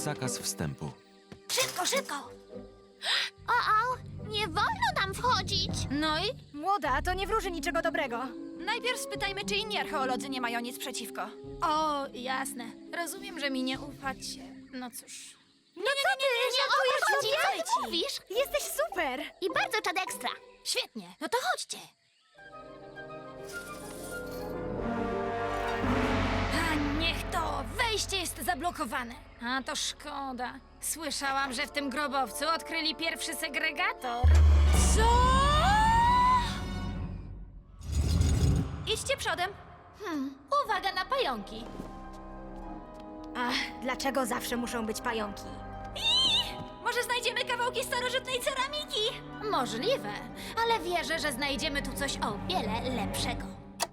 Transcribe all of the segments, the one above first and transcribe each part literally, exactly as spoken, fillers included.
zakaz wstępu. Szybko, szybko! O, o, nie wolno nam wchodzić. No i? Młoda, to nie wróży niczego dobrego. Najpierw spytajmy, czy inni archeolodzy nie mają nic przeciwko. O, jasne. Rozumiem, że mi nie ufacie. No cóż. No co ty? Nie o to chodzi, co ci. ty mówisz? Jesteś super! I bardzo czad ekstra. Świetnie, no to chodźcie. A niech to! Wejście jest zablokowane. A to szkoda. Słyszałam, że w tym grobowcu odkryli pierwszy segregator. Co? Idźcie przodem. Hmm, uwaga na pająki. Ach, dlaczego zawsze muszą być pająki? Może znajdziemy kawałki starożytnej ceramiki? Możliwe, ale wierzę, że znajdziemy tu coś o wiele lepszego.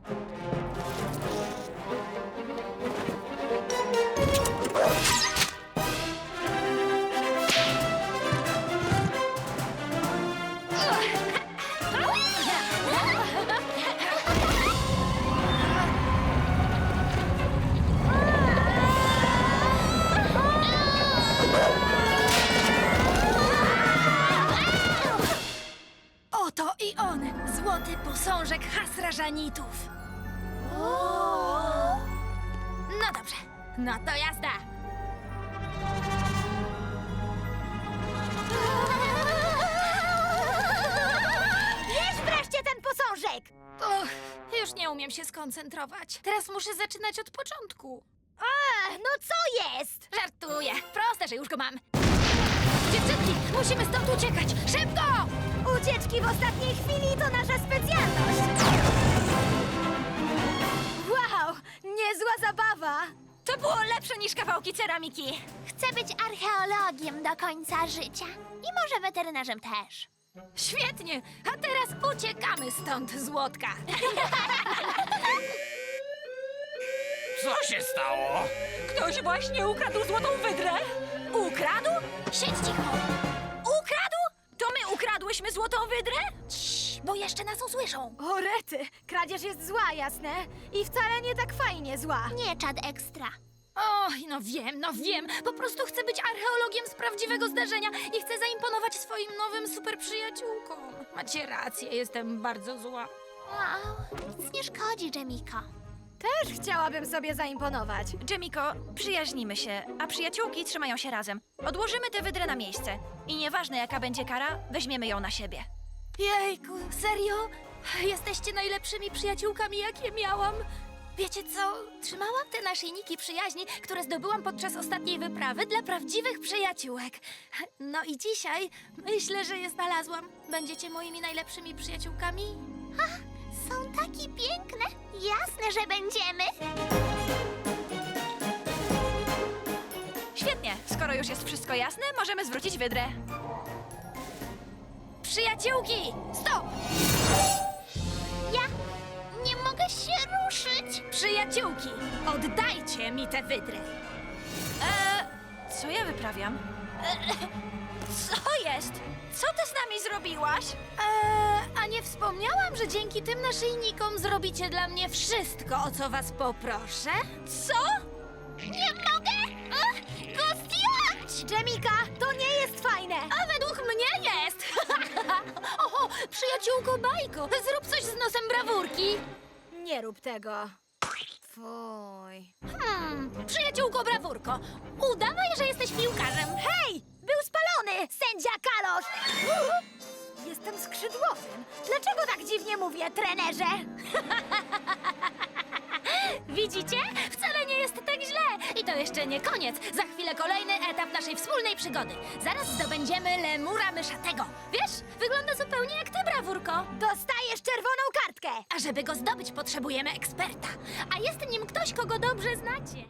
Oto i on, złoty posążek Hasrażanitów. No dobrze, no to jazda. Bierz wreszcie ten posążek! Uch, już nie umiem się skoncentrować. Teraz muszę zaczynać od początku. A, no co jest? Żartuję, proste, że już go mam. Dziewczynki, musimy stąd uciekać, szybko! Ucieczki w ostatniej chwili to nasza specjalność! Wow, niezła zabawa! To było lepsze niż kawałki ceramiki. Chcę być archeologiem do końca życia. I może weterynarzem też. Świetnie, a teraz uciekamy stąd, Złotka. Co się stało? Ktoś właśnie ukradł złotą wydrę. Ukradł? Siedź cicho. Ukradł? To my ukradłyśmy złotą wydrę? Cii, bo jeszcze nas usłyszą. O rety, kradzież jest zła, jasne? I wcale nie tak fajnie zła. Nie czad ekstra. Oj, no wiem, no wiem. Po prostu chcę być archeologiem z prawdziwego zdarzenia i chcę zaimponować swoim nowym super przyjaciółkom. Macie rację, jestem bardzo zła. Wow, nic nie szkodzi, Jemiko. Też chciałabym sobie zaimponować. Jemiko, przyjaźnimy się, a przyjaciółki trzymają się razem. Odłożymy tę wydrę na miejsce i nieważne jaka będzie kara, weźmiemy ją na siebie. Jejku, serio? Jesteście najlepszymi przyjaciółkami, jakie miałam. Wiecie co? Trzymałam te naszyjniki przyjaźni, które zdobyłam podczas ostatniej wyprawy dla prawdziwych przyjaciółek. No i dzisiaj myślę, że je znalazłam. Będziecie moimi najlepszymi przyjaciółkami? Są takie piękne. Jasne, że będziemy. Świetnie, skoro już jest wszystko jasne, możemy zwrócić wydrę. Przyjaciółki! Stop! Ja nie mogę się ruszyć. Przyjaciółki, oddajcie mi tę wydrę. Eee, co ja wyprawiam? Co jest? Co ty z nami zrobiłaś? Eee, a nie wspomniałam, że dzięki tym naszyjnikom zrobicie dla mnie wszystko, o co was poproszę? Co? Nie mogę Ach, go zdjąć. Jemika, to nie jest fajne! A według mnie jest! Oho, przyjaciółko Bajko, zrób coś z nosem brawurki. Nie rób tego. Fuj. Hmm, przyjaciółko Brawurko, udawaj, że jesteś piłkarzem. Hej! Był spalony! Sędzia Kalosz! Jestem skrzydłowym. Dlaczego tak dziwnie mówię, trenerze? Widzicie? Wcale nie jest tak źle. I to jeszcze nie koniec. Za chwilę kolejny etap naszej wspólnej przygody. Zaraz zdobędziemy lemura myszatego. Wiesz, wygląda zupełnie jak ty, Brawurko. Dostajesz czerwoną kartkę! A żeby go zdobyć, potrzebujemy eksperta. A jest nim ktoś, kogo dobrze znacie.